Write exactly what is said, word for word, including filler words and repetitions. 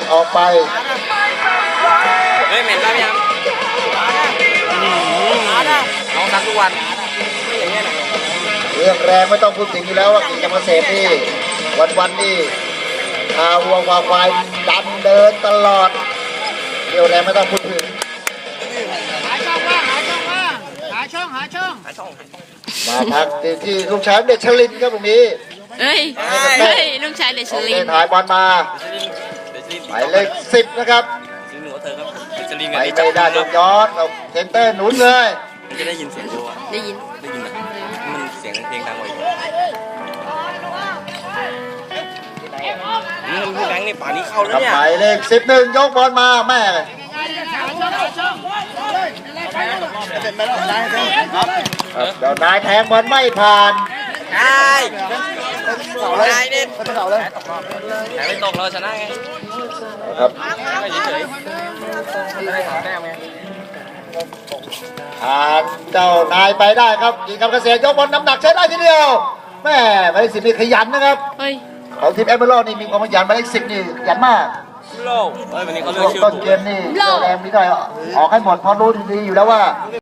ดออกไปเฮ้ยเหม็นป่ะพี่ยามน้องซักทุกวันไม่อย่างเงี้ยนะเรื่องแรงไม่ต้องพูดถึงอยู่แล้วว่ากิจกรรมเกษตรนี่วันๆนี่พาวัววาควายดันเดินตลอดเรื่องแรงไม่ต้องพูดถึงหาช่องว่างหาช่องว่างหาช่องหาช่องหาช่องมาพักที่ลูกชายเด็กชลินครับตรงนี้เฮ้ยเฮ้ยลูกชายเดชลินถ่ายบอลมาหมายเลขสิบนะครับซื้อหนูเธอครับเดชลินไปไม่ได้โดนย้อนเอาเซนเตอร์หนุนเลยจะได้ยินเสียงดูอ่ะได้ยินได้ยินนะมันเสียงเพลงดังกว่าอีกนี่มันพี่แบงค์นี่ป่านนี้เข้าแล้วเนี่ยหมายเลขสิบหนึ่งยกบอลมาแม่เดี๋ยวนายแทงบอลไม่ผ่านใช่นายเนี่ยแทงไม่ตกเราชนะไงครับเฉยๆได้สองแต้มไงทางเจ้านายไปได้ครับกิจกรรมเกษตรยกบอลน้ำหนักใช้ได้ทีเดียวแม่หมายเลขสิบนี่ขยันนะครับของทีมแอมเบอร์นี่มีความขยันหมายเลขสิบนี่ขยันมากโลกเฮ้ยวันนี้เขาเลือกชื่อต้นเกมนี่แรงไม่ได้ออกให้หมดเพราะรู้ดีอยู่แล้วว่า